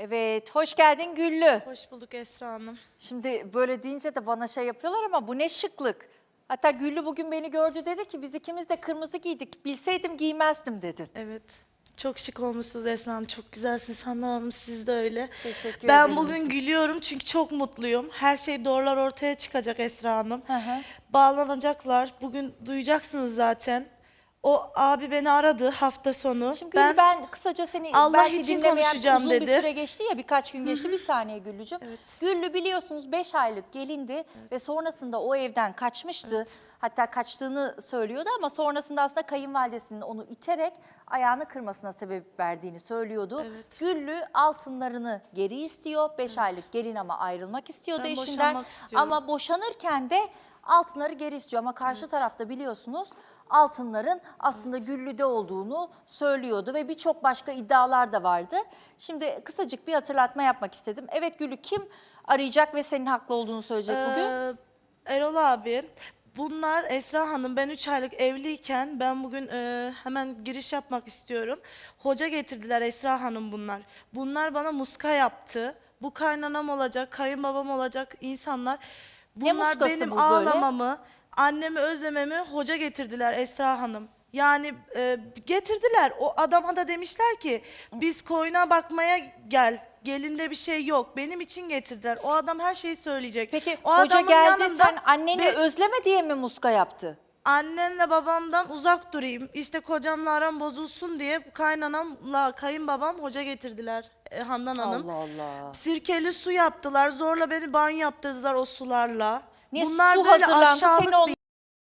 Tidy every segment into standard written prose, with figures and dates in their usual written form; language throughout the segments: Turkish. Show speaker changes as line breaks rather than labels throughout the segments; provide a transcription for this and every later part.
Evet, hoş geldin Güllü.
Hoş bulduk Esra Hanım.
Şimdi böyle deyince de bana şey yapıyorlar ama bu ne şıklık. Hatta Güllü bugün beni gördü, dedi ki biz ikimiz de kırmızı giydik. Bilseydim giymezdim dedin.
Evet. Çok şık olmuşsunuz Esra Hanım. Çok güzelsiniz Handan Hanım. Siz de öyle.
Teşekkür
Ben
ederim.
bugün gülüyorum çünkü çok mutluyum. Her şey doğrular ortaya çıkacak Esra Hanım.
Hı hı.
Bağlanacaklar. Bugün duyacaksınız zaten. O abi beni aradı hafta sonu.
Şimdi Güllü, ben kısaca seni
Allah
belki
için
dinlemeyen
konuşacağım
uzun bir
dedi.
süre geçti ya, birkaç gün geçti. Bir saniye Güllücüğüm.
Evet.
Güllü biliyorsunuz 5 aylık gelindi ve sonrasında o evden kaçmıştı. Hatta kaçtığını söylüyordu ama sonrasında aslında kayınvalidesinin onu iterek ayağını kırmasına sebep verdiğini söylüyordu.
Evet.
Güllü altınlarını geri istiyor. 5 aylık gelin ama ayrılmak istiyordu
Ben
eşinden.
boşanmak istiyorum.
Ama boşanırken de altınları geri istiyor. Ama karşı tarafta biliyorsunuz altınların aslında Güllü'de olduğunu söylüyordu ve birçok başka iddialar da vardı. Şimdi kısacık bir hatırlatma yapmak istedim. Evet Güllü, kim arayacak ve senin haklı olduğunu söyleyecek bugün?
Erol abi, bunlar Esra Hanım, ben 3 aylık evliyken ben bugün hemen giriş yapmak istiyorum. Hoca getirdiler Esra Hanım bunlar. Bunlar bana muska yaptı. Bu kaynanam olacak, kayınbabam olacak insanlar.
Ne
Bunlar
muskası
benim
bu böyle?
ağlamamı, annemi özlememi hoca getirdiler Esra Hanım. Yani getirdiler. O adama da demişler ki biz koyuna bakmaya gel. Gelinde bir şey yok. Benim için getirdiler. O adam her şeyi söyleyecek.
Peki
o
hoca
adamın
geldi,
yanında
sen anneni
bir-
özleme diye mi muska yaptı?
annenle babamdan uzak durayım. İşte kocamla aram bozulsun diye kaynanamla kayınbabam hoca getirdiler Handan Hanım.
Allah Allah.
Sirkeli su yaptılar. Zorla beni banyo yaptırdılar o sularla.
Niye
Bunlar
su
böyle
hazırlandı,
aşağılık
seni on
bir...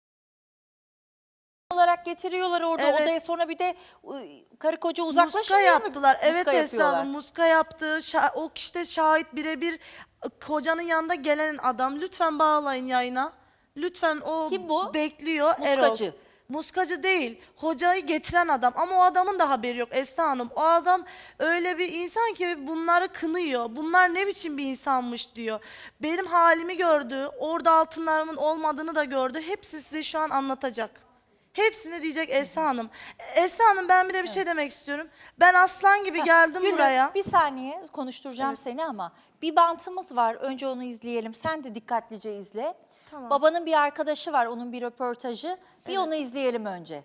olarak getiriyorlar orada
Evet.
odaya, sonra bir de karı koca
Muska
uzaklaşmıyor mu?
yaptılar. Evet
Muska
Esra
yapıyorlar.
Hanım, muska yaptı. O işte şahit birebir, kocanın yanında gelen adam. Lütfen bağlayın yayına. Lütfen, o
Kim bu?
bekliyor.
Muskacı.
Erol. Muskacı değil. Hocayı getiren adam. Ama o adamın da haberi yok Esra Hanım. O adam öyle bir insan ki bunları kınıyor. Bunlar ne biçim bir insanmış diyor. Benim halimi gördü. Orada altınlarımın olmadığını da gördü. Hepsi size şu an anlatacak. Hepsini diyecek Esra Hanım. Esra Hanım, ben bir de bir şey demek istiyorum. Ben aslan gibi geldim
Güllü,
buraya.
bir saniye konuşturacağım seni ama bir bantımız var. Önce onu izleyelim. Sen de dikkatlice izle.
Tamam.
Babanın bir arkadaşı var, onun bir röportajı. Bir onu izleyelim önce.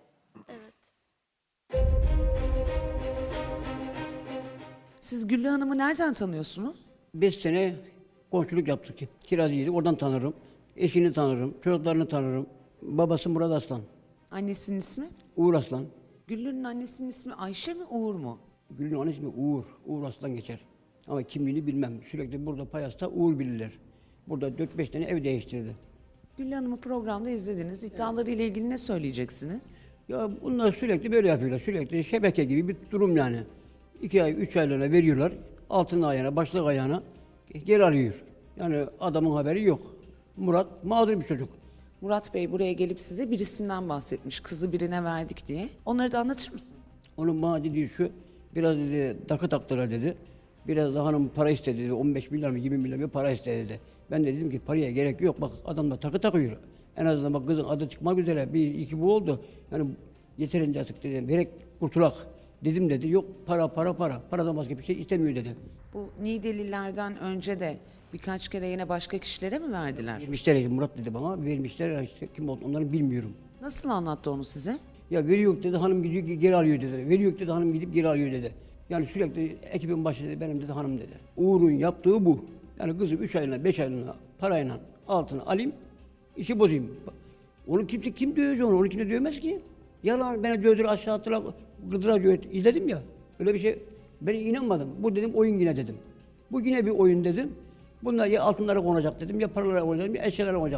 Siz Güllü Hanım'ı nereden tanıyorsunuz?
5 sene komşuluk yaptık. Kiracıydık. Oradan tanırım. Eşini tanırım. Çocuklarını tanırım. Babası Murat Aslan.
Annesinin ismi?
Uğur Aslan.
Güllü'nün annesinin ismi Ayşe mi Uğur mu?
Gül'ün annesi ismi Uğur. Uğur Aslan geçer. Ama kimliğini bilmem. Sürekli burada Payas'ta Uğur bilirler. Burada 4-5 tane ev değiştirdi.
Güllü Hanım'ı programda izlediniz. İddiaları ile ilgili ne söyleyeceksiniz?
Ya bunlar sürekli böyle yapıyorlar. Sürekli şebeke gibi bir durum yani. 2 ay, 3 aylığına veriyorlar. Altın ayağına, başlık ayağına geri arıyor. Yani adamın haberi yok. Murat mağdur bir çocuk.
Murat Bey buraya gelip size birisinden bahsetmiş. Kızı birine verdik diye. Onları da anlatır mısınız?
Onun bana dediği şu, biraz dedi takı taktılar dedi. Biraz da hanım para istedi dedi. 15 milyar mı 20 milyar mı para istedi dedi. Ben de dedim ki paraya gerek yok. Bak adam da takı takıyor. En azından bak kızın adı çıkmak üzere. Bir iki bu oldu. Yani yeterince artık dedim. Verek kurtulak. Dedim dedi. Yok para. Paradan başka bir şey istemiyor dedi.
Bu Niğdelilerden önce de birkaç kere yine başka kişilere mi verdiler?
Vermişler Murat dedi bana. Vermişler işte kim oldu onları bilmiyorum.
Nasıl anlattı onu size?
Ya veriyor dedi hanım gidiyor geri alıyor dedi. Veriyor dedi hanım gidip geri alıyor dedi. Yani sürekli ekibin başı dedi benim dedi hanım dedi. Uğur'un yaptığı bu. Yani kızım 3 aylığına 5 aylığına parayla altını alayım işi bozayım. Onu kim dövecek onu? Onu kimse dövmez ki. Yalan beni dövdüler aşağı attılar gırdıra izledim ya. Öyle bir şey ben inanmadım. Bu dedim oyun yine dedim. Bu yine bir oyun dedim. Bunlar ya altınlara konacak dedim ya paralara konacak ya eşyalara konacak.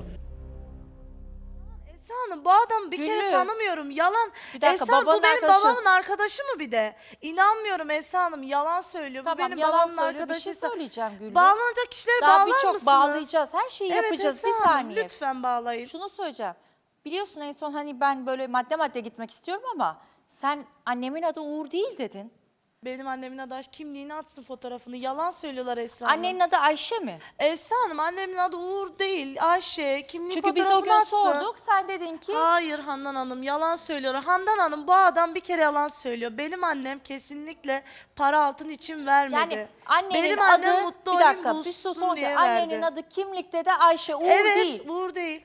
Esra Hanım, bu adamı bir
Güllü.
kere tanımıyorum. Yalan.
Bir dakika,
Esra Hanım, bu
babanın
benim
arkadaşı.
babamın arkadaşı mı bir de? İnanmıyorum Esra Hanım, yalan söylüyor. Bu
Tamam,
benim
yalan
babamın
söylüyor. Bir
arkadaşı.
şey söyleyeceğim Güllü.
Bağlanacak kişileri
Daha
bağlar
birçok
mısınız?
bağlayacağız. Her şeyi
Evet,
yapacağız.
Esra
Bir
Hanım,
saniye.
lütfen bağlayın.
Şunu söyleyeceğim. Biliyorsun en son hani ben böyle madde madde gitmek istiyorum ama sen annemin adı Uğur değil dedin.
Benim annemin adı Ayşe. Kimliğini atsın, fotoğrafını. Yalan söylüyorlar Esra Hanım.
Annenin adı Ayşe mi?
Esra Hanım, annemin adı Uğur değil. Ayşe. Kimliği
Çünkü biz o
fotoğrafını
gün
atsın.
sorduk. Sen dedin ki
Hayır Handan Hanım, yalan söylüyor. Handan Hanım, bu adam bir kere yalan söylüyor. Benim annem kesinlikle para altın için vermedi.
yani annenin
Benim annem
adı
mutlu
bir
olayım,
dakika bir
bulsun
son
diye
annenin
verdi.
adı kimlikte de Ayşe, Uğur
Evet,
değil.
Uğur değil.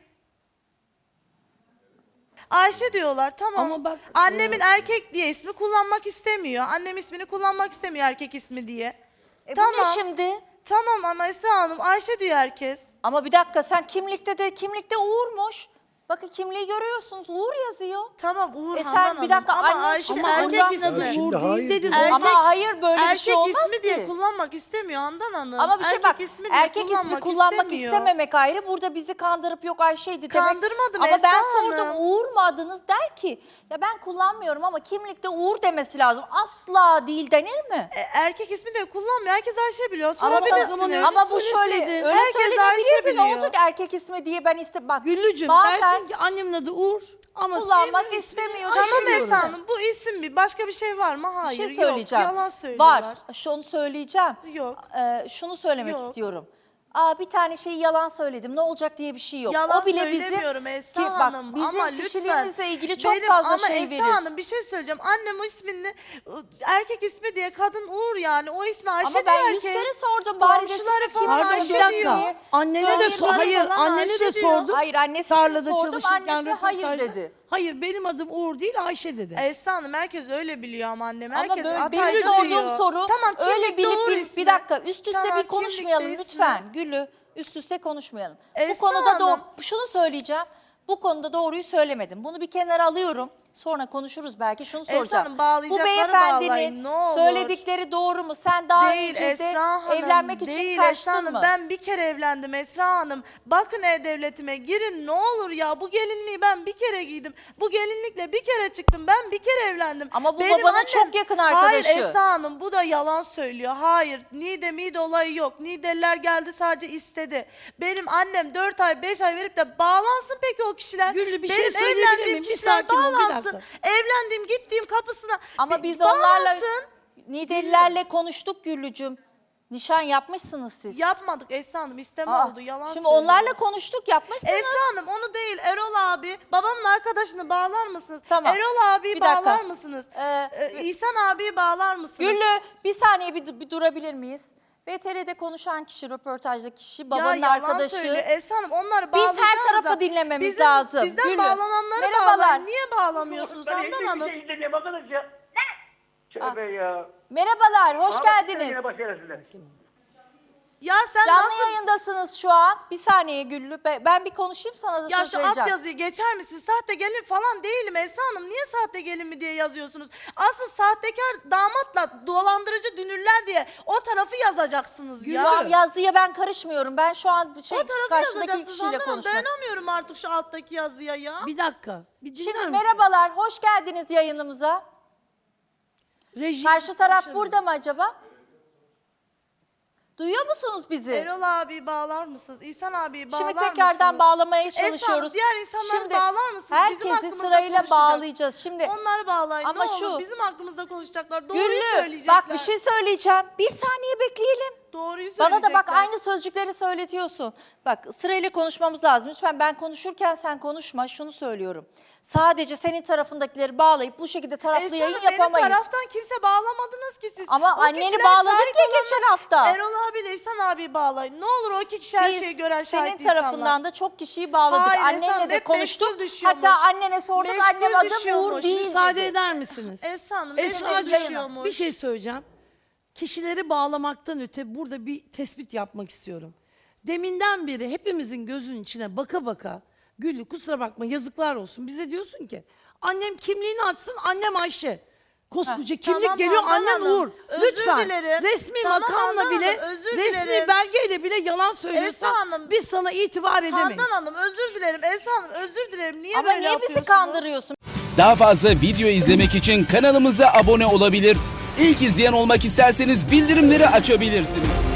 Ayşe diyorlar, tamam.
Ama bak,
Annemin erkek diye ismi kullanmak istemiyor. Annem ismini kullanmak istemiyor, erkek ismi diye.
Bu
tamam.
ne şimdi?
Tamam ama Esra Hanım, Ayşe diyor herkes.
Ama bir dakika sen kimlikte Uğur'muş. Bakın kimliği görüyorsunuz Uğur yazıyor.
Tamam Uğur
sen
Handan
bir
Hanım.
dakika,
ama
annen
Ayşe
şimdi
erkek
ondan-
ismi.
adı
Şimdi
Uğur
hayır
değil dedi.
dedi.
Ama hayır böyle bir
erkek
şey olmaz
ismi diye
ki.
kullanmak istemiyor Handan Hanım.
Ama bir şey
erkek
bak
ismi diye
erkek ismi kullanmak
istemiyor.
istememek ayrı. Burada bizi kandırıp yok Ayşe'ydi demek.
Kandırmadım
Ama ben
Esra
sordum
Hanım.
Uğur mu adınız der ki ya ben kullanmıyorum ama kimlikte Uğur demesi lazım. Asla değil denir mi?
Erkek ismi de kullanmıyor. Herkes Ayşe biliyor.
Ama,
Sorabilirsiniz.
ama bu şöyle
söyleseydin.
öyle
Herkes
söylenebilirdi.
Ayşe
Ne
biliyor.
olacak erkek ismi diye ben bak.
Güllücüm
bazen
dersin ki annemin adı Uğur ama
kullanmak
sevmiyor,
istemiyor.
ismini
Tamam
Ayşe
Esra
diyorum.
Hanım, bu isim bir. Başka bir şey var mı?
bir
Hayır.
şey
Yok.
söyleyeceğim.
Yalan söylüyorlar.
Var. Şunu söyleyeceğim.
Yok.
Şunu söylemek
Yok.
istiyorum. Bir tane şeyi yalan söyledim. Ne olacak diye bir şey yok.
Yalan
o bile bizim
söylemiyorum Esra
bak,
Hanım.
bizim
ama lütfen.
kişiliğimizle ilgili çok
Benim-
fazla
ama
şey
Esra
verir.
Hanım, bir şey söyleyeceğim. Annem o ismini erkek ismi diye, kadın Uğur yani. O ismi Ayşe
Ama
diyor
ben 100
herkes.
kere sordum. Bari desin
Komşuları
ki
falan
kim
Pardon
Ayşe
bir dakika.
diyor.
Annene de sor.
Hayır,
Hayır,
falan
annene de
Ayşe diyor.
sordum.
Hayır annesine
Tarlada
sordum.
çalışırken
Annesi hayır
röportajda.
dedi.
Hayır benim adım Uğur değil Ayşe dedi.
Esra Hanım, herkes öyle biliyor ama annem.
Ama
Herkes
böyle
Hatay'da
benim sorduğum
diyor.
soru
Tamam,
öyle
kimlikte
bilip
Uğur
bilip
ismi.
bir dakika üst üste
Tamam,
bir konuşmayalım
kimlikte
lütfen. Gülü üst üste konuşmayalım. Bu
Esra
konuda
Hanım.
şunu söyleyeceğim. Bu konuda doğruyu söylemedim. Bunu bir kenara alıyorum. Sonra konuşuruz belki. Şunu
Esra
soracağım.
Hanım,
Bu
bağlayacakları
beyefendinin
bağlayın, ne olur.
söyledikleri doğru mu? Sen daha
Değil
önce de
Esra Hanım,
evlenmek için
değil Esra
kaçtın
Hanım.
mı?
Ben bir kere evlendim Esra Hanım. Bakın E-Devlet'ime girin ne olur ya. Bu gelinliği ben bir kere giydim. Bu gelinlikle bir kere çıktım. Ben bir kere evlendim.
Ama bu babanın çok yakın arkadaşı.
Hayır Esra Hanım, bu da yalan söylüyor. Hayır, Nide mide olayı yok. Nideliler geldi, sadece istedi. Benim annem 4 ay 5 ay verip de bağlansın peki o kişiler.
Güllü, bir
Benim
şey söyleyebilir
evlendiğim
miyim? Bir
kişiler
sakin ol, bir
bağlansın.
dakika.
Evlendiğim, gittiğim kapısına
Ama
bir
biz onlarla
bağlansın.
Nidelilerle konuştuk Güllücüm. Nişan yapmışsınız siz.
Yapmadık Esra Hanım, isteme
Aa,
oldu, yalan
Şimdi
söylüyor.
onlarla konuştuk yapmışsınız.
Esra Hanım, onu değil, Erol abi, babamın arkadaşını bağlar mısınız?
Tamam.
Erol abiyi
Bir dakika.
bağlar mısınız? İhsan abiyi bağlar mısınız?
Güllü bir saniye bir durabilir miyiz? VTR'de konuşan kişi, röportajdaki kişi,
Ya
babanın
yalan
arkadaşı.
söylüyor. Esra Hanım, onları
Biz
bağlayacağız
her tarafı
da
dinlememiz
bizim-
lazım.
Bizden
Güllü,
bağlananları
merhabalar.
bağlayın. Niye bağlamıyorsunuz
Ben
Handan
hiçbir
Hanım?
şey izlemiyorum arkadaş ya. Tövbe ya.
Merhabalar, hoş
Ahmet
geldiniz.
yine başlayalım size.
Ya sen
Canlı
nasıl...
yayındasınız şu an. Bir saniye Güllü, ben bir konuşayım sana da
Ya
söz
şu alt
vereceğim.
yazıyı geçer misin? Sahte gelin falan değilim Esra Hanım. Niye sahte gelin mi diye yazıyorsunuz? Asıl sahtekar damatla dolandırıcı dünürler diye o tarafı yazacaksınız ya.
Tamam, yazıya ben karışmıyorum. Ben şu an
O tarafı
karşıdaki
yazacaksınız
kişiyle
Handan Hanım.
konuşmak.
Dayanamıyorum artık şu alttaki yazıya ya.
Bir dakika. Bir dinler
Şimdi
misin?
merhabalar, hoş geldiniz yayınımıza.
Reji-
Karşı taraf burada mı acaba? Duyuyor musunuz bizi?
Erol abi bağlar mısınız? İhsan abi bağlar
Şimdi
mısınız?
tekrardan bağlamaya
Esra Hanım,
çalışıyoruz.
diğer insanları
Şimdi
bağlar mısınız? Bizim
herkesi
hakkımızda
sırayla
konuşacak.
bağlayacağız. Şimdi
Onları bağlayın
Ama
ne olur.
şu-
Bizim hakkımızda konuşacaklar. Doğruyu
Güllü
söyleyecekler.
bak bir şey söyleyeceğim. Bir saniye bekleyelim.
Doğruyu
Bana da bak
söyleyecekler.
aynı sözcükleri söyletiyorsun. Bak sırayla konuşmamız lazım. Lütfen ben konuşurken sen konuşma. Şunu söylüyorum. Sadece senin tarafındakileri bağlayıp bu şekilde taraflı
Esra
yayın
Hanım, benim
yapamayız.
taraftan kimse bağlamadınız ki siz.
Ama
O
anneni
kişiler
bağladık
şahit
ya
olanlar-
geçen hafta.
Erol abiyle İhsan abi bağlayın. Ne olur o iki kişi her şeyi gören
senin
şahit
tarafından
insanlar.
da çok kişiyi bağladık.
Hayır,
Annenle
Esra Hanım,
de
hep
konuştuk.
meşgul düşüyormuş.
Hatta annene sorduk.
Meşgul
Annem adım Uğur
düşüyormuş.
değil
Müsaade
dedi.
eder misiniz?
Esra Hanım
Esra'cığım,
meşgul düşüyormuş.
bir şey söyleyeceğim. Kişileri bağlamaktan öte burada bir tespit yapmak istiyorum. Deminden beri hepimizin gözünün içine baka baka Güllü kusura bakma yazıklar olsun. Bize diyorsun ki annem kimliğini açsın, annem Ayşe. Koskoca kimlik
Tamam
geliyor,
Handan
annen
Hanım,
Uğur.
özür
Lütfen
dilerim.
resmi
Tamam
makamla
Handan
bile,
Hanım, özür
resmi
dilerim.
belgeyle bile yalan söylüyorsan
Esra Hanım,
biz sana itibar edemeyiz.
Handan Hanım özür dilerim. Esra Hanım özür dilerim. Niye
Ama
böyle
niye bizi
yapıyorsunuz?
kandırıyorsun?
Daha fazla video izlemek için kanalımıza abone olabilir. İlk izleyen olmak isterseniz bildirimleri açabilirsiniz.